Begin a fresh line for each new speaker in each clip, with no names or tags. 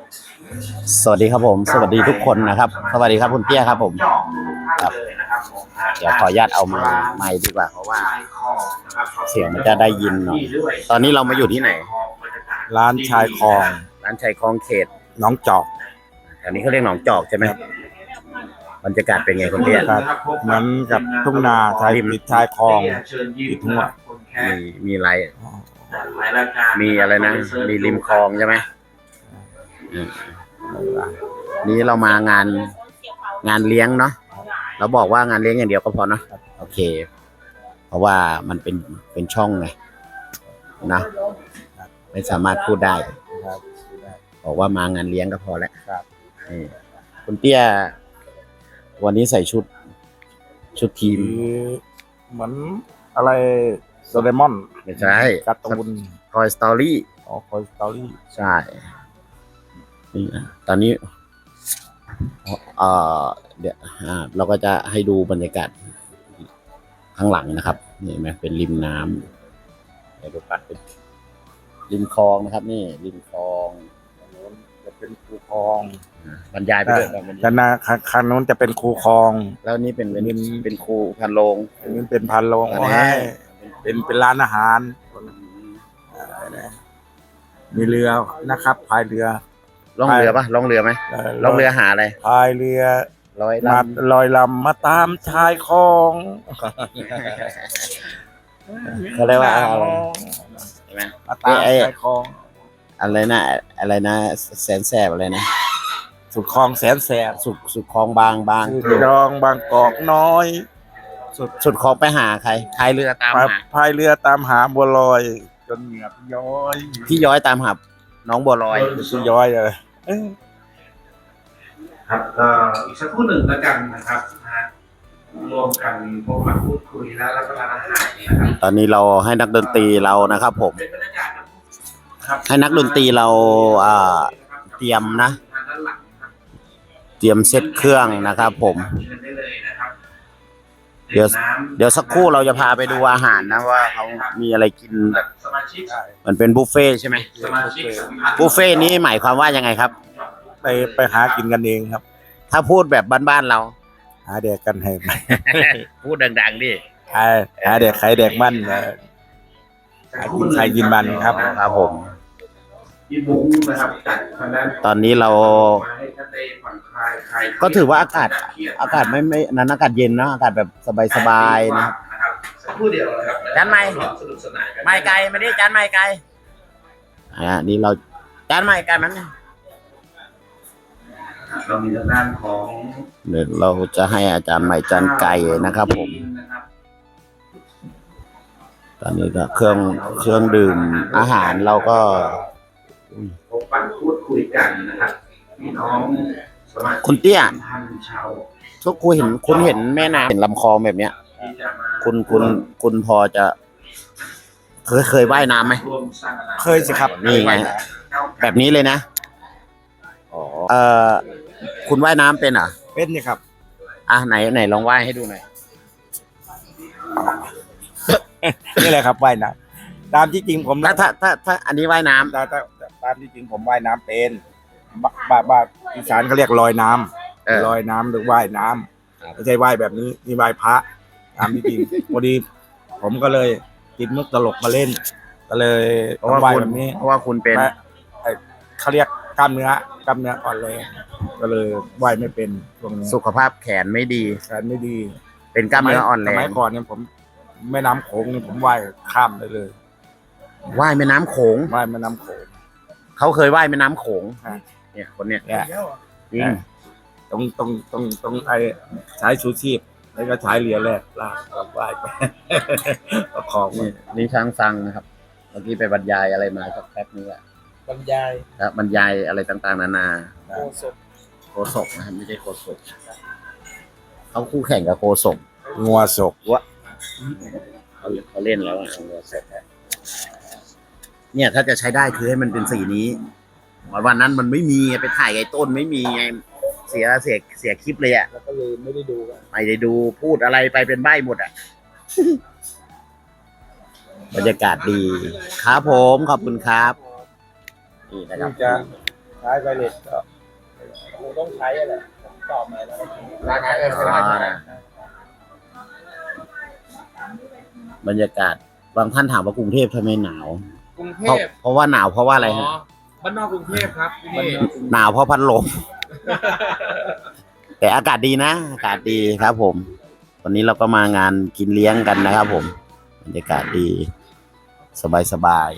สวัสดีครับผมสวัสดีทุกคนนะครับสวัสดีครับคุณเตี้ยครับผมครับเดี๋ยวขออนุญาตเอาไมค์ดีกว่าเพราะว่าเสียงมันจะได้ยินหน่อยตอนนี้เรามาอยู่ที่ไหน
ร้านชายคลอง
ร้านชายคลองเขต
หนองจอก
อันนี้เขาเรียกหนองจอกใช่ไหมบรรยากาศเป็นไงคุณเตี้ย
ครับเหมือนกับทุ่งนาชายติดชายคลองติดทุ่ง
มีอะไรมีอะไรนะมีริมคลองใช่ไหมนี้เรามางานเลี้ยงเนาะเราบอกว่างานเลี้ยงอย่างเดียวก็พอเนาะโอเคเพราะว่ามันเป็นช่องไงนะไม่สามารถพูดได้บอกว่ามางานเลี้ยงก็พอแล้วคุณเตี้ยวันนี้ใส่ชุดทีม
เหมือนอะไรโดเรมอน
ไม่ใช่
การ์ตูน
Toy Story
Toy Story
ใช่นี่ตอนนี้เดี๋ยวเราก็จะให้ดูบรรยากาศข้างหลังนะครับนี่เห็นไหมเป็นริมน้ำเดี๋ยวดูปัดเป็นริมคลองนะครับนี่ริมคลอง
จะเป็นคูคลอง
บรรยายไปด้วย
ด้านหน้าคันนู้นจะเป็นคูคลอง
แล้วนี่เป็นคูพันโลง
นี่เป็นพันโลงให้เป็นร้านอาหารมีเรือนะครับพายเรือ
ล่องเรือปะล่องเรือไหมล่องเรือหาอะไร
พายเรือลอยลำมาตามชายคลอง
เขาเรียกว่าอะไรใช่ไหม
มาตามชายคลอง
อะไรนะแสนแสบอะไรนะ
สุดคลองแสนแสบ
สุดคลองบาง
สุดคลองบางกอกน้อย
สุดคลองไปหาใครพายเรือตามหา
บัวลอยจนเหงียบย้อย
พี่ย้อยตามหาน้องบัวลอย
พี่ย้อยเลย
ครับก็อีกสักครู่หนึ่งแล้วกันนะครับรวมกันพบมาพูดคุยและรับประทานอาหารนะครับ
ตอนนี้เราให้นักดนตรีเรานะครับผมให้นักดนตรีเราเตรียมนะเตรียมเซตเครื่องนะครับผมเดี๋ยวสักครู่เราจะพาไปดูอาหารนะว่าเขามีอะไรกินแบบมันเป็นบุฟเฟ่ใช่ไหมบุฟเฟ่นี้หมายความว่ายังไงครับ
ไปหากินกันเองครับ
ถ้าพูดแบบบ้านๆเรา
หาเด็กกันให้
พูดดังๆดิ
หาเด็กใครเด็กมั่นหากินใครกินมันครับ
ครับผมตอนนี้เราก็ถือว่าอากาศไม่นั้นอากาศเย็นนะอากาศแบบสบายๆนะจานใหม่ไม่ไกลไม่ได้จานใหม่ไกลนี่เราจานใหม่ไกลมัน
เรามีทางด้านของ
เดี๋ยวเราจะให้อาจารย์ใหม่จานไก่นะครับผมตอนนี้ก็เครื่องดื่มอาหารเราก็
พบปะพูดคุยกันนะครับพี่น้อง
คุณเตี้ยทุกคุณเห็นแม่น้ำเห็นลำคลองแบบเนี้ยคุณพอจะเคยว่ายน้ำไหม
เคยสิครับ
นี่ไงแบบนี้เลยนะคุณว่ายน้ำเป็นเหรอ
เป็นนี่ครับ
ไหนลองว่ายให้ดูหน่อย
นี่แหละครับว่ายน้ำตามที่จริงผม
ถ้าอันนี้ว่ายน้ำ
ตามที่จริงผมว่ายน้ำเป็นบ้านอีสานเขาเรียกลอยน้ำลอยน้ำหรือว่ายน้ำไม่ใช่ว่ายแบบนี้นี่ว่ายพระตามที่จริงพอดีผมก็เลยติดมุกตลกมาเล่นก็เลยว่ายแบบนี้
เพราะว่าคุณเป็น
เขาเรียกกล้ามเนื้ออ่อนแรงก็เลยว่ายไม่เป็น
สุขภาพแขนไม่ดีเป็นกล้ามเนื้ออ่อนแรง
สมัยก่อนเนี่ยผมแม่น้ำโขงเนี่ยผมว่ายข้ามได้เลย
ว่ายแม่น้ำโขงเขาเคยว่ายแม่น้ำโขงเนี่ยคนเนี้ยจริง
ต้องไอ้ใช้ชูชีพแล้วก็ใช้เรือแรกลากว่ายไปของ
นี่ช้างฟังนะครับเมื่อกี้ไปบรรยายอะไรมาสักแป๊บนึงอะ
บรร
ยายอะไรต่างๆนานาโคศกนะครับไม่ใช่โคศกเขาคู่แข่งกับโคศก
งัวศก
วะเขาเล่นแล้วงัวศกเนี่ยถ้าจะใช้ได้คือให้มันเป็นสีนี้วันนั้นมันไม่มีไปถ่ายไอ้ต้นไม่มีไงเสียคลิปเลยอ่ะ
แล้วก็เลยไม่ได้
ดูพูดอะไรไปเป็นใบ้หมดอ่ะบรรยากาศดีครับผมขอบคุณครับนี่นะครับ
ใช้ไวเลสก็คงต้องใช้แหละตอบมาแล้ว
ร้านไหนร้านไหน
บรรยากาศบางท่านถามว่ากรุงเทพทำไมหนาว
กรุงเท
เพราะว่าหนาวเพราะว่าอะไรฮะ
บ้านนอกกรุงเทพครับที่นี่
หนาวเพราะพัดลม แต่อากาศดีนะ อากาศดีครับผม วันนี้เราก็มางานกินเลี้ยงกันนะครับผมบรรยากาศดี สบาย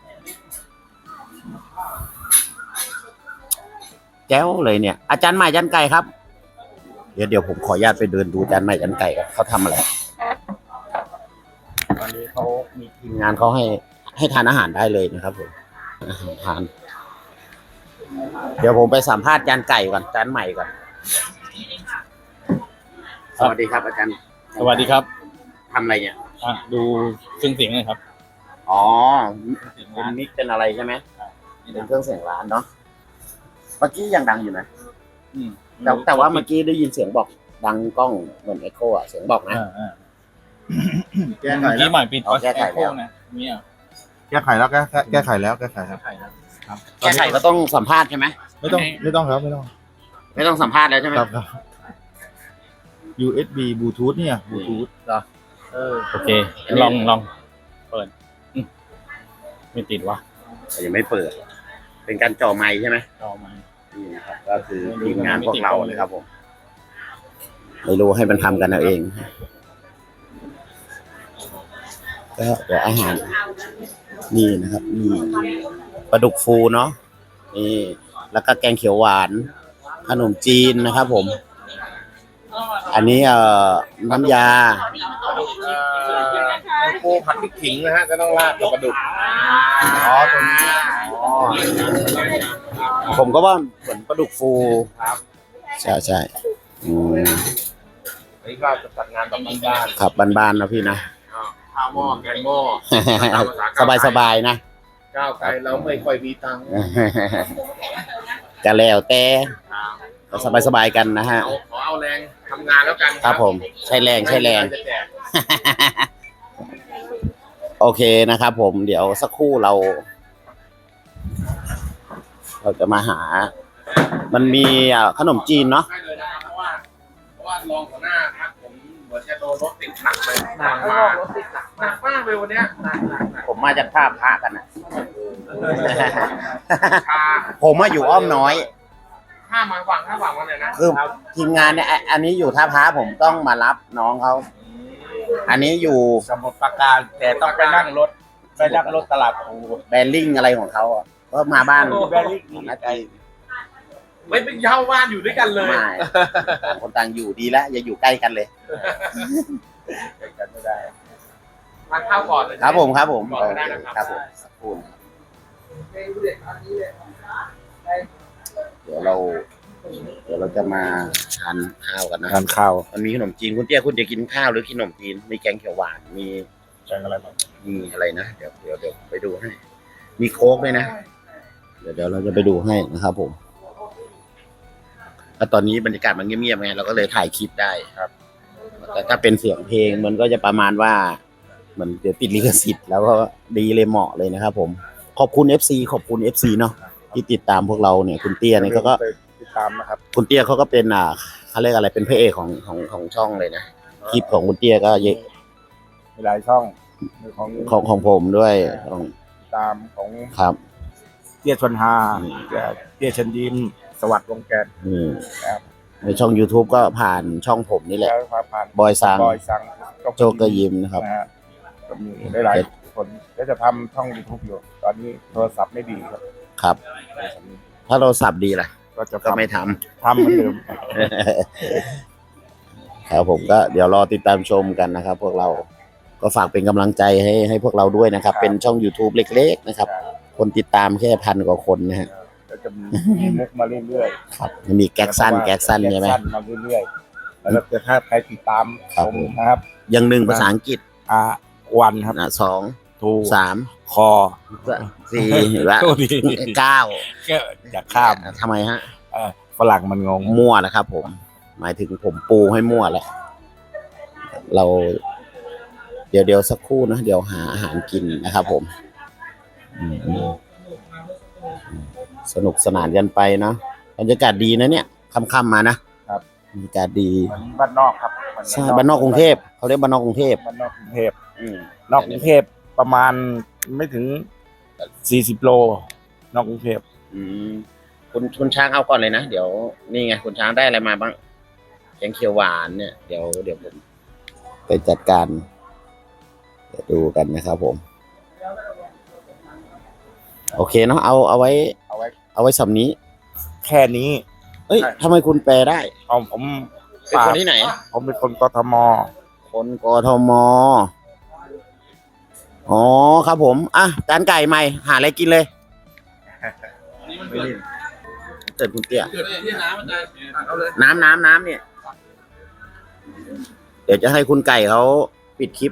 แจ้วเลยเนี่ย อาจารย์ใหม่อาจารย์ไก่ครับ เดี๋ยวผมขออนุญาตไปเดินดูอาจารย์ใหม่อาจารย์ไก่ครับเขาทำอะไรตอนนี้เขามีทีมงานเขาให้ทานอาหารได้เลยนะครับผมอาหารทาน เดี๋ยวผมไปสัมภาษณ์อาจารย์ไก่ก่อนอาจารย์ใหม่ก่อนสวัสดีครับอาจารย์
สวัสดีครับ
ทำอะไรเนี่ย
ดูเครื่องเสียงเลยครับ
อ๋อเป็นมิกเป็นอะไรใช่ไหมเป็นเครื่องเสียงร้านเนาะเมื่อกี้ยังดังอยู่นะแต่ว่าเมื่อกี้ได้ยินเสียงบอกดังกล้องเหมือนเอ็กโคอะเสียงบอกนะ
แก้ไข
เมื่อ
แล้
กี้
ว
ใหม่ปิด
อ๋อแก้ไขแล้ว
นะเนี่ย
แก้ไขแล้วแก้ไขแล้วแก้ไขแล้ว
แก้ไขก็ต้องสัมภาษณ์ใช่ไหม
ไม่ต้องครับไม่ต้อง
ไม่ต้องสัมภาษณ์แล้วใช่ไหม
ครับ USB Bluetooth เนี่ย Bluetooth
โอเคลองเปิดไม่ติดวะ
แต่ยังไม่เปิด เป็นการจ่อไมค์ใช่ไหม
ต่อมา
นี่นะครับก็คือทีมงานพวกเราเลยครับผมไม่รู้ให้มันทำกันเอาเองก็เดี๋ยวอาหารนี่นะครับนี่ปลาดุกฟูเนาะนี่แล้วก็แกงเขียวหวานขนมจีนนะครับผม อันนี้น้ำยา
ปูผัดพริกขิงนะฮะจะต้องราดกับปลาดุก
อ๋อตัวนี้อ๋อผมก็ว่าเหมือนปลาดุกฟูใช่อืม
อันนี้ก็จะจัดงานแบบบ้าน
ขับบ้านๆนะพี่นะ
ๆข้าวหม้อแกงหม้อ
สบายๆนะ
ก้าวไกลเราไม่ค่อยมีตังค์
ก็แล้วแต่ก็สบายๆกันนะฮะ
ขอเอาแรงทำงานแล้วกัน
ครับผมใช้แรง
จะแจก
โอเคนะครับผมเดี๋ยวสักครู่เราจะมาหา มันมีขนมจีนเนาะ
ได้เลยนะครับเพราะว่ารองหัวหน้าครับผมเหมือนจะโดนรถติดหนักเลยหนักมากเลยวันเนี้ยหนัก
ผมมาจากท่าพระกันนะ
ชา
ผมมาอยู่อ้อมน้อย
ห้ามาหวังวันเลยนะ
คือทีมงานเนี่ยอันนี้อยู่ท่าพระผมต้องมารับน้องเขาอันนี้อยู่
สมุทรปราการแต่ต้องไปนั่งรถตลาดภู
แบริ่งอะไรของเขาอ่ะก็มาบ้าน
แบริ่ง
นาที
ไม่เป็นเย้าบ้านอยู่ด้วยกันเลย
ไม่ต่างคนต่างอยู่ดีแล้วอย่าอยู่ใกล้กันเลย
กันไม่ได้
ทานข้าวก่อนเลย
ครับผม
ก่อน
โอ
ก็
เค
ได้นะค
ค
รั
รั
บบ
ผมสักครู่นะครับเดี๋ยวเราจะมาทานข้าวกันนะ
ทานข้าว
มันมีขนมจีนคุณเตี้ยคุณจะกินข้าวหรือกินขนมจีนมีแกงเขียวหวานมี
แกงอะไรบ้าง
มีอะไรนะเดี๋ยวไปดูให้ มีโค้กด้วยนะเดี๋ยวเราจะไปดูให้นะครับผมแล้วตอนนี้บรรยากาศมันเงียบๆไงเราก็เลยถ่ายคลิปได้ครับ แต่ถ้าเป็นเสียงเพลงมันก็จะประมาณว่าเหมือนเดี๋ยวติดลิขสิทธิ์แล้วก็ดีเลยเหมาะเลยนะครับผมขอบคุณ FC ขอบคุณ FC เนาะที่ติดตามพวกเราเนี่ยคุณเตี้ยเนี่ยก็
ติดตามนะครับ
คุณเตี้ยเขาก็เป็นเขาเรียกอะไรเป็นพระเอกของช่องเลยนะคลิปของคุณเตี้ยก็เยอะ
มีหลายช่องของ
ของผมด้วยของ
ตามของ
ครับ
เตี้ยชนฮาเตี้ยเชนยิ้มสวัสดิ์วงแกน
อืม
ครับ
ในช่อง YouTube ก็ผ่านช่องผมนี่แหละ
แล้วผ่าน
บอยซัง
โจ
โจกเกอร์ยิมนะครับ
นะฮะก็มีหลายๆคนก็จะทำช่อง YouTube อยู่ ตอนนี้โทรศัพท์ไม่ดีครับ
ครับ ถ้าเราสับดีล่ะ
ก็จะ
ก็ไม่ท
ทำเหมือนเดิม
ำ ครับผมก็เดี๋ยวรอติดตามชมกันนะครับ พวกเราก็ฝากเป็นกำลังใจให้พวกเราด้วยนะครับ เป็นช่อง YouTube เล็กๆนะครับ คนติดตามแค่1,000 กว่าคนนะฮะ
ก็จะมีมุกมาเรื่อยๆ
ครับมันมีแก๊กสั้นใช่ไหม
แก๊กสั้นมาเรื่อยๆแล้วถ้าใครติดตาม
ครับ
ผมนะครับ
อย่างหนึ่งภาษาอังกฤษ
วันครับ
สอง
ทู
สาม
คอ
สี่และ
โทษที
9
ก็อย่าข้าม
ทำไมฮะ
ฝรั่งมันงง
มั่วแล้วครับผม หมายถึงผมปูให้มั่วแล้ว เราเดี๋ยวสักครู่นะ เดี๋ยวหาอาหารกินนะครับผมสนุกสนานกันไปเนาะบรรยากาศดีนะเนี่ยค่ำๆมานะครับ บรรยากาศดี
มันบ้านนอกครับ
ใช่บ้านนอกกรุงเทพเขาเรียกบ้านนอกกรุงเทพ
บ้านนอกกรุงเทพ
อืม
นอกกรุงเทพประมาณไม่ถึง40 โลนอกกรุงเทพ
อืมคุณช้างเอาก่อนเลยนะเดี๋ยวนี่ไงคุณช้างได้อะไรมาบ้างแกงเขียวหวานเนี่ยเดี๋ยวผมไปจัดการเดี๋ยวดูกันนะครับผม โอเคเนาะเอาไว้ เอาไว้สำนี้
แค่นี้
เอ้ย
ใช่
ทำไมคุณแปลได้
ผม
เป็นคนที่ไหน
ผมเป็นคนกทม
คนกทมอ๋อครับผมอ่ะจานไก่ใหม่หาอะไรกินเลย
อันนี้มันเกิด
เกิดคุณเตี้ย
เกิดที่น้ำอาจารย์เอาเลย
น้ำเนี่ย เดี๋ยวจะให้คุณไก่เขาปิดคลิป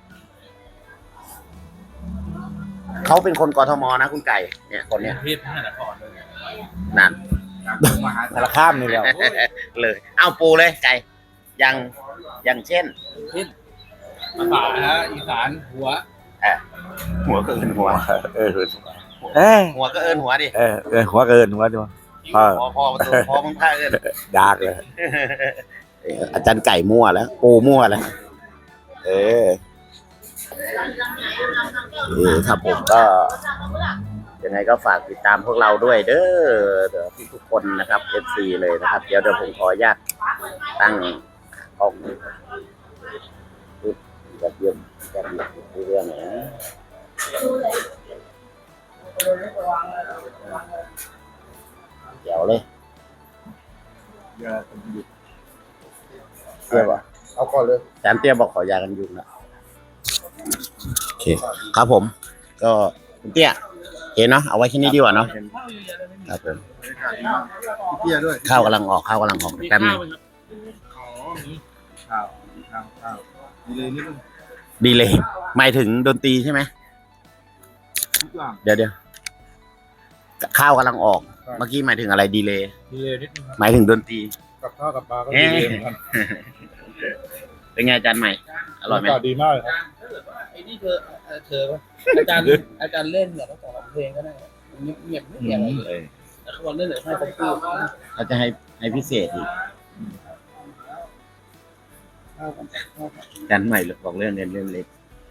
เขาเป็นคนกทมนะคุณไก่ เนี่ยคนเนี้ย
พี่พระนครเลย
นั่น
มหาสารคามนี่แหละ
เลย เอาปูเลยไก่อย่างเช่น
ภาษาฮะอีสานหัว
หัวก็เอินหัว
เออ
หัวก็เอินหัวดิ
หัวเกินหัวดีวะ
พอประตูพอมึงท่าเอิน
ดากเลย
อาจารย์ไก่มั่วแล้ว ปูมั่วแล้ว เออครับผมก็ยังไงก็ฝากติดตามพวกเราด้วยเด้อทุกคนนะครับ FC เลยนะครับ เดี๋ยวผมขออนุญาตตั้งกล้องแบบเยี่ยมแบบเรื่องไหนเดี๋ยวเลยเตี้ยบอก
เอาก่อนเลย
อาจารย์เตี้ยบอกขอยากันยุงนะโอเคครับผม ก็คุณเตี้ยเห็นเนาะเอาไว้แค่นี้ดีกว่าเนาะครับผม
เตี้ยด้วย
ข้าวกำลังออกแป๊บนึง
ข้าวดีเลยนิดนึง
ดีเลยหมายถึงดนตรีใช่ไหม
ทุกอย่าง
เดี๋ยวข้าวกำลังออก เมื่อกี้หมายถึงอะไรดีเลย
ดีเลยนิดนึง
หมายถึงดนตรี
กับข้าวกับปลาก็ดีเลยเหมือนกัน
เป็นไงอาจารย์ใหม่ อร่อยไหม
ดีมากเลยครับ
ไอ้นี่เธออาจารย์เล่นเนี่ยต้องสอนเพลงก็ได้เงียบไม่มีอะไรเลยแต่เขาบอกเล่นเลยให้ผมพูด
เขาจะให้พิเศษอีกอาจารย์ใหม่บอกเรื่องเล่นเล็ก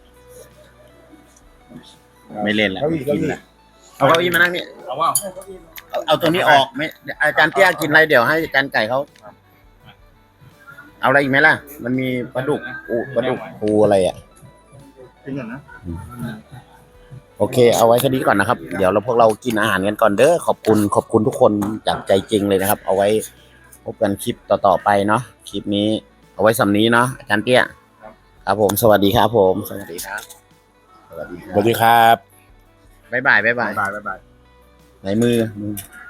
ไม่เล่นแล้วกินละเอาเก้าอี้มานั่งนี่
เอาว่า
เอาตัวนี้ออกไม่อาจารย์เตี้ยกินอะไรเดี๋ยวให้อาจารย์ไก่เขาเอาอะไรอีกไหมล่ะ มันมีปลาดุกปูอะไรอ่ะ
จริงเหรอนะ
โอเค เอาไว้แค่นี้ก่อนนะครับ เดี๋ยวพวกเรากินอาหารกันก่อนเด้อขอบคุณทุกคนจากใจจริงเลยนะครับ เอาไว้พบกันคลิปต่อๆไปเนาะคลิปนี้ เอาไว้สำนี้เนาะอาจารย์เตี้ยครับผมสวัสดีครับผมสวัสดีครับสวัสดี
สวัสดีครับ
บ๊ายบาย
บ๊ายบาย
ไหนมือ